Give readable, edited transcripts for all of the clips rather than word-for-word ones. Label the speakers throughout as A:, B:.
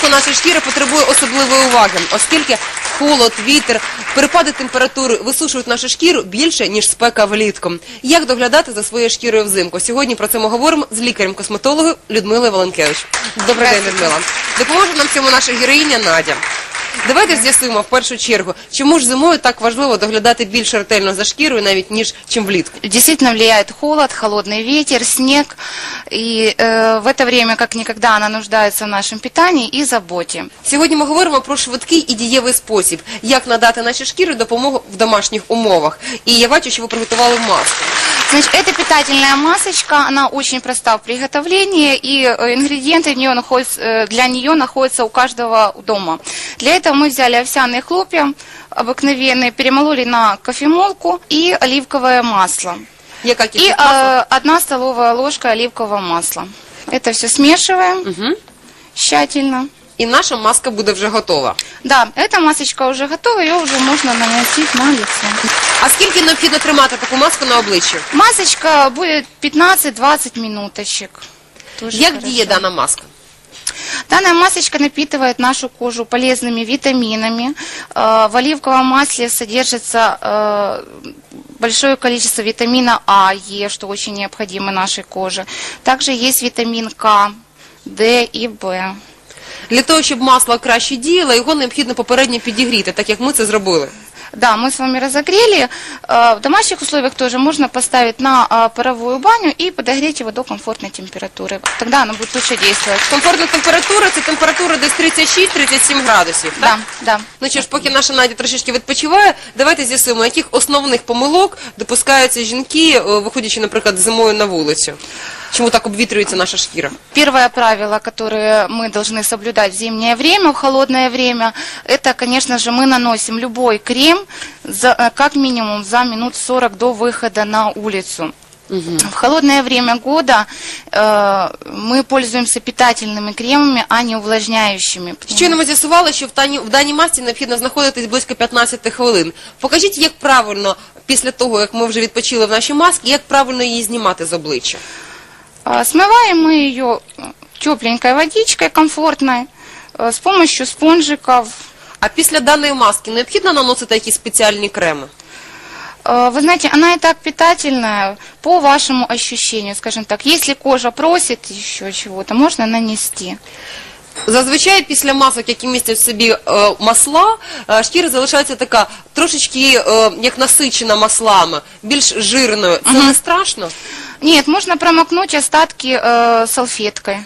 A: Взимку наша шкіра потребує особливої уваги, оскільки холод, вітер, перепади температури висушують нашу шкіру більше, ніж спека влітку. Як доглядати за своєю шкірою взимку? Сьогодні про це ми говоримо з лікарем-косметологом Людмилою Валенкевич. Добрий день, Людмила. Допоможе нам в цьому наша героїня Надя. Давайте з'ясуємо в першу чергу, чому ж зимою так важливо доглядати більш ретельно за шкірою, навіть ніж чим влітку.
B: Действительно влияет холод, холодный ветер, снег. И в это время, как никогда, она нуждается в нашем питании и заботе.
A: Сьогодні ми говоримо про швидкий і дієвий спосіб, як надати нашій шкірі допомогу в домашніх умовах. І я бачу, що ви приготували маску.
B: Значит, эта питательная масочка, она очень проста в приготовлении, и ингредиенты для нее находятся у каждого дома. Для этого мы взяли овсяные хлопья обыкновенные, перемололи на кофемолку и оливковое масло.
A: И
B: 1 столовая ложка оливкового масла. Это все смешиваем тщательно.
A: І наша маска буде вже готова.
B: Да, эта масочка уже готова, ее уже можно наносить на лицо.
A: А скільки необхідно тримати таку маску на обличчі?
B: Масочка будет 15-20 минуточек.
A: Як діє дана маска?
B: Данная масочка напитывает нашу кожу полезными витаминами. В оливковом масле содержится большое количество витамина А, Е, что очень необходимо нашей коже. Также есть витамин К, Д и В.
A: Для того, щоб масло краще діяло, його необхідно попередньо підігріти, так як ми це зробили.
B: Да, мы с вами разогрели. В домашних условиях тоже можно поставить на паровую баню и подогреть его до комфортной температуры. Тогда оно будет лучше действовать.
A: Комфортна температура – це температура десь 36-37 градусів, так?
B: Да, да.
A: Ну що ж, поки наша Надя трошечки відпочиває, давайте з'ясуємо, яких основних помилок допускаються жінки, виходячи, наприклад, зимою на вулицю. Чому так обвітрюється наша шкіра?
B: Первое правило, которое мы должны соблюдать в зимнее время, в холодное время, это, конечно же, мы наносим любой крем как минимум за минут 40 до выхода на улицу. В холодное время года мы пользуемся питательными кремами, а не увлажняющими.
A: Щойно ми з'ясували, що в даній масці необхідно знаходитись близько 15 хвилин. Покажіть, як правильно, після того, як ми вже відпочили в нашій масці, як правильно її знімати з обличчя?
B: Смываем мы ее тепленькой водичкой, комфортной, с помощью спонжиков.
A: А після даної маски необхідно наносити якісь спеціальні креми?
B: Вы знаете, она и так питательная по вашему ощущению, скажем так. Если кожа просит еще чего-то, можно нанести.
A: Зазвичай після масок, які містять в собі масла, шкіра залишається така трошечки як насичена маслами, більш жирною. Це не страшно?
B: Нет, можно промокнуть остатки салфеткой.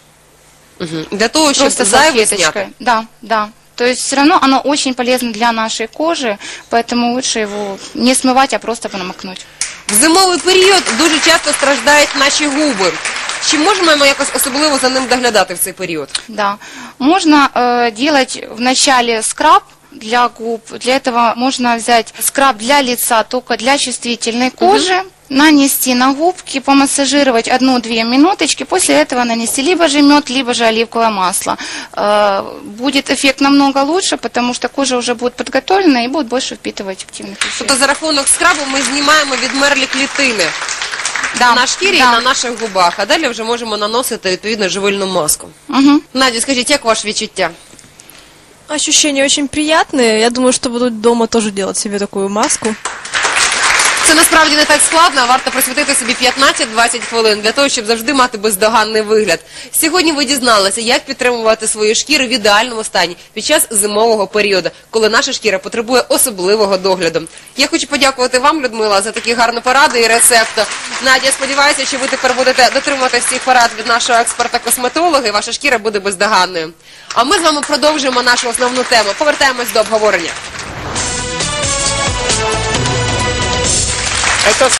A: Для того, щоб зайве зняти?
B: Да, да. То есть все равно оно очень полезно для нашей кожи, поэтому лучше его не смывать, а просто промокнуть.
A: В зимовий період дуже часто страждають наші губи. Чи можемо ми якось особливо за ним доглядати в цей період?
B: Да. Можно делать вначале скраб для губ. Для этого можно взять скраб для лица, только для чувствительной кожи. Нанести на губки, помассажировать 1-2 минуточки, после этого нанести либо же мед, либо же оливковое масло. Будет эффект намного лучше, потому что кожа уже будет подготовлена и будет больше впитывать активных веществ.
A: Тобто за рахунок скрабу ми знімаємо відмерлі клітини на шкірі і на наших губах, а далі вже можемо наносити відповідно живильну маску. Надя, скажіть, як ваше відчуття?
C: Ощущения очень приятные. Я думаю, что буду дома тоже делать себе такую маску.
A: Це насправді не так складно, а варто присвятити собі 15-20 хвилин для того, щоб завжди мати бездоганний вигляд. Сьогодні ви дізналися, як підтримувати свою шкіру в ідеальному стані під час зимового періоду, коли наша шкіра потребує особливого догляду. Я хочу подякувати вам, Людмила, за такі гарні поради і рецепти. Надя, сподіваюся, що ви тепер будете дотримуватися всіх порад від нашого експерта-косметолога, і ваша шкіра буде бездоганною. А ми з вами продовжуємо нашу основну тему. Повертаємось до обговорення.